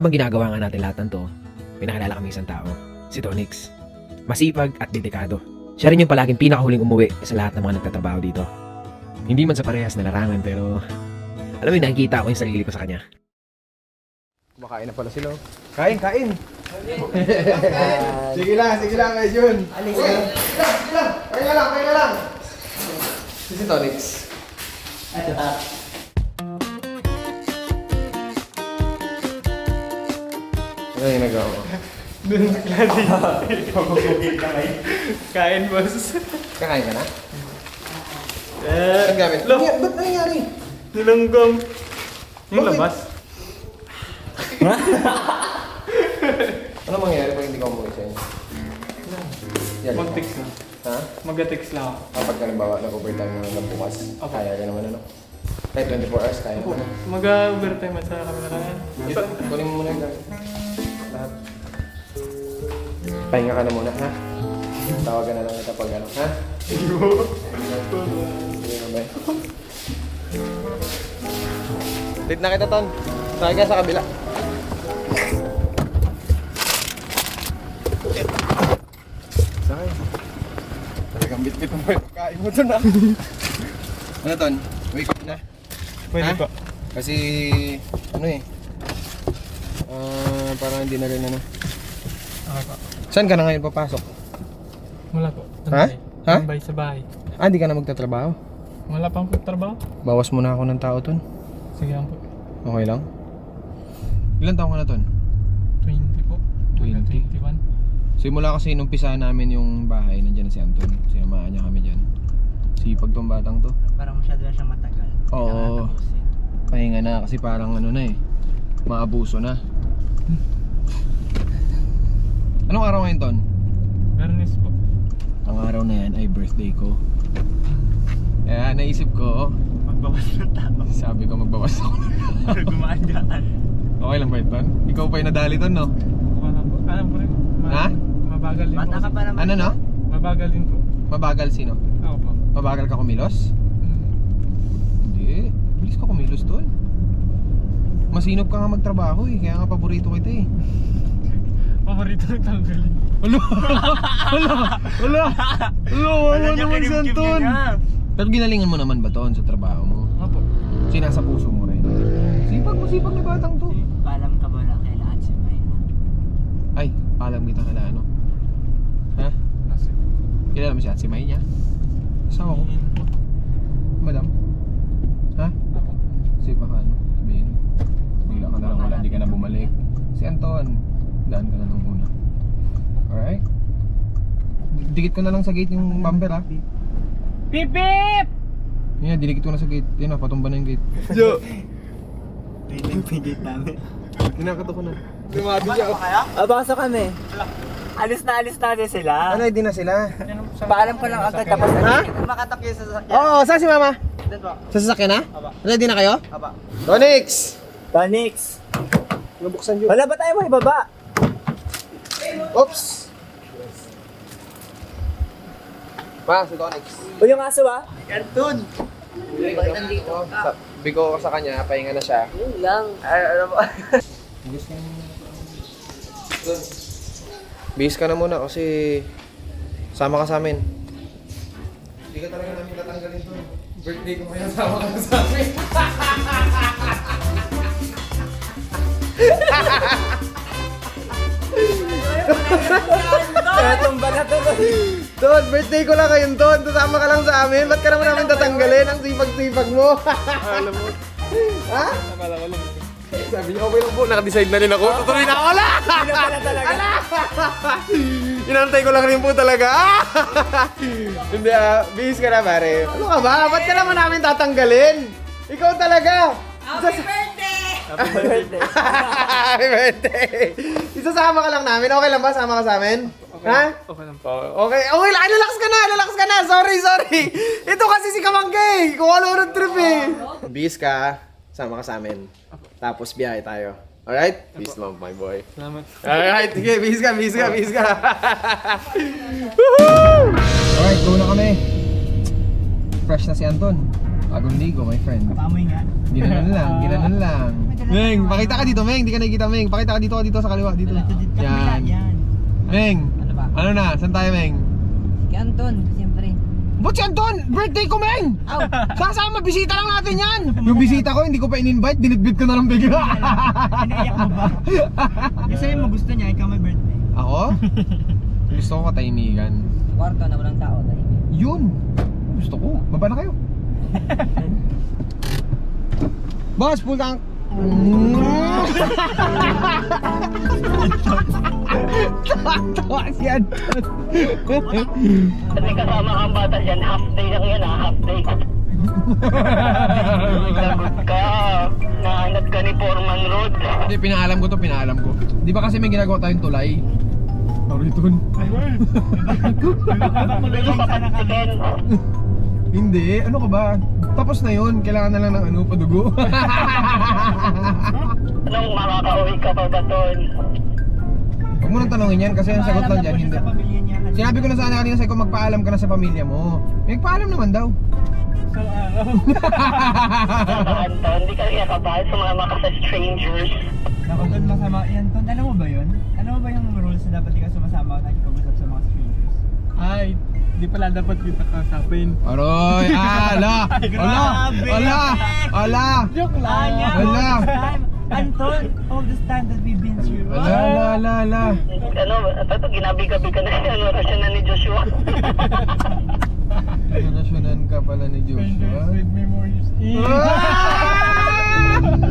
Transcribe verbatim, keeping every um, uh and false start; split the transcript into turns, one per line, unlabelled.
Habang ginagawa nga natin lahat ng to, pinakilala kami isang tao, si Tonix. Masipag at dedikado. Siya rin yung palaging pinakahuling umuwi sa lahat ng mga nagtatrabaho dito. Hindi man sa parehas na larangan pero alam mo, nakikita ko yung sarili ko sa kanya.
Kumakain na pala sila. Kain, kain! Sige lang, sige lang, guys, yun. Alis ka. Sige lang, sige lang. Kain na lang, kain na lang. Si si Tonix.
Ito ha.
Ano yung nagawa mo?
Doon sa klase. Pagpupugil ka may. Kain, boss.
Kakain ka na?
Eh,
Ang gamit?
Lo,
Ba't ano nangyari?
nilanggam. Yung
Bakit?
labas.
Ano mangyayari pag hindi ka umuwi sa inyo? Yan.
Mag-text na.
Ha?
Mag-text lang ako.
Kapag ka nabawa, nag-overtime na lang bukas.
Opo.
Kaya ka naman ano? Kahit twenty-four hours, kaya
Opo,
naman.
mag-overtime at sa kami na kaya.
Ito, kunin mo muna yung gamit. Lahat. Pahinga ka na muna, ha? Tawagan na lang kita pag ano, ha? Sige na ba? Late na kita, Ton. Sakay ka sa kabila. Sakay. Talagang bit-bit mo yung pagkain mo doon, ha? Ano, Ton? Wake up na.
Pwede
Ha?
pa.
Kasi, ano eh, ah, parang hindi na rin ano.
Okay pa.
Saan ka na ngayon papasok?
Wala po.
Ha? Ha?
Tambay sa bahay.
Ah, hindi ka na magtatrabaho?
Wala pang trabaho?
Bawas muna ako ng tao, Ton.
Sige lang po.
Okay lang? Ilan taon ka na, Ton?
twenty po.
twenty?
twenty-one.
Simula kasi nung pisa namin yung bahay, nandiyan na si Anton. Sinamaan niya kami dyan. Sipag tong batang to.
Parang masyado na siyang matagal.
Oo.
Kailangan tapusin.
Pahinga na kasi parang ano na eh. Maabuso na. Anong araw ngayon, Ton?
Bernis po.
Ang araw na yan ay birthday ko. Kaya naisip ko,
Magbawas ng tao.
sabi ko magbawas ako.
Gumaan dyan.
Okay lang ba ito? Ikaw pa yung nadali, Ton, no?
Wala po. Alam ko rin. Ma-
Ha?
Mabagal din
Bata
po.
ka pa naman.
Ano, no?
Mabagal din po.
Mabagal sino?
Ako po.
Mabagal ka kumilos?
Mm.
Hindi. Bilis ka kumilos, Ton. Masinop ka nga magtrabaho eh. Kaya nga paborito kita eh.
Paborito ng tanggalin.
Wala! Wala! Wala! Wala! Wala naman si Anton! Pero ginalingan mo naman ba, Ton, sa trabaho mo?
Opo.
Sinasa puso mo rin. Sipag mo, sipag na batang to.
Paalam ka ba na kailangan si May?
Ay, alam kita kala ano. Ha?
Kasi.
Kilala mo si Atsi May niya? Asawa ko. Madam? Ha?
Ako.
Kasi baka ano, sabihin. Bigla ka na lang wala, hindi ka na bumalik. Si Anton, daan ka na nung una. Alright? Dikit ko na lang sa gate yung bumper, ha?
Pip pip!
Yan, dinikit ko na sa gate. Yan na, patumba na yung gate.
Jo!
Pinipigit namin.
Kinakato ko na. Dumabi siya.
Ah, basta kami. Alis na alis natin sila.
Ano, hindi na sila?
Paalam ko lang agad tapos
Ha?
makatak yun sa sasakyan.
Oo, saan si Mama?
Doon po.
Sa sasakyan na?
Aba.
Ready na kayo?
Aba.
Tonix!
Tonix.
Nabuksan yun.
Wala ba tayo mo ibaba?
Oops! Ma, si Tonix.
O yung aso ah? Anton.
Sabi ko sa kanya, pahinga na siya.
Yun lang. Ay, ano ba?
Bihis ka na muna kasi sama ka sa amin. Hindi ka talaga namin tatanggalin to. Birthday ko ngayon, sama ka na sa amin.
Tumba na to.
Ton, birthday ko lang ngayon, Ton. Sasama ka lang sa amin. Ba't ka naman namin tatanggalin? Ang sipag-sipag mo.
Alam mo.
Ha?
Akala ko lang.
Sabi niya, okay lang po. Naka-decide na rin ako. Tutuloy na ako. Ala!
Ano pala talaga?
Inantay ko lang rin po talaga. Hindi ah, bihis ka na pare. Ano ka ba? Ba't ka naman namin tatanggalin? Ikaw talaga.
Happy birthday! Happy birthday.
Happy birthday. Isasama ka lang namin. Okay lang ba? Sama ka sa amin? Ha?
Okay lang po.
Okay. Okay lang. Ay, relax ka na. Relax ka na. Sorry, sorry. Ito kasi si Kamanggay. Kung ano road trip eh. Bihis ka. Sama ka sa amin. Tapos biyahe tayo. Alright? Peace love, my boy.
Salamat.
Alright, sige, bihis ka, bihis ka, bihis ka. Woohoo! Alright, go na kami. Fresh na si Anton. Bagong ligo, my friend.
Pamoy nga.
Ginanon lang, ginanon lang. Meng, pakita ka dito, Meng. Hindi ka nakikita, Meng. Pakita ka dito, dito sa kaliwa, dito. Yan.
Yan.
Meng,
Ano ba?
ano na? Saan tayo, Meng?
Kay Anton, siyempre.
Ba't si Anton? Birthday ko, Meng!
Aw!
Sasama, bisita lang natin yan! Yung bisita ko, hindi ko pa in-invite, dinitbit ko na lang bigla.
Iniiyak mo ba? Kasi mo gusto niya, ikaw may birthday.
Ako? Gusto ko katahimigan.
Kwarto na walang tao. Dahil.
Yun! Gusto ko. Baba na kayo. Boss, full tank! Tawa si Anton.
May kasama kang bata dyan, half day lang yan ha, half day. Lagot ka, nahanap ka ni Foreman Road.
Hindi, pinaalam ko to, pinaalam ko. Di ba kasi may ginagawa tayong tulay? Nariton.
Gusto ka patikin.
Hindi, ano ka ba? Tapos na yun, kailangan na lang ng ano, padugo.
Anong makakauwi ka pa ba doon?
Huwag mo nang tanongin yan kasi ang sagot lang dyan, hindi.
Sa pamilya niya.
Sinabi ko na sana kanina sa'yo kung magpaalam ka na sa pamilya mo. Magpaalam naman daw.
Sa araw.
Saka Anton, hindi ka kaya kabahal sumama ka sa strangers.
Ako doon masama. Yan, Ton, alam mo ba yun? Alam mo ba yung rules na dapat di ka sumasama at nakikipag-usap sa mga strangers?
Ay, di pala dapat kita kausapin.
Aroy, ala! Ala! Ala! Ala!
Joke
Ah,
lang.
yeah,
Wala.
all this time. Anton, all this time that we've been through.
Ala, ala, ala, ala.
Ano, ito, ginabi-gabi ka na yan, orasyon na ni Joshua.
Nasyonan ka pala ni Joshua.
Strangers with memories.
Ah!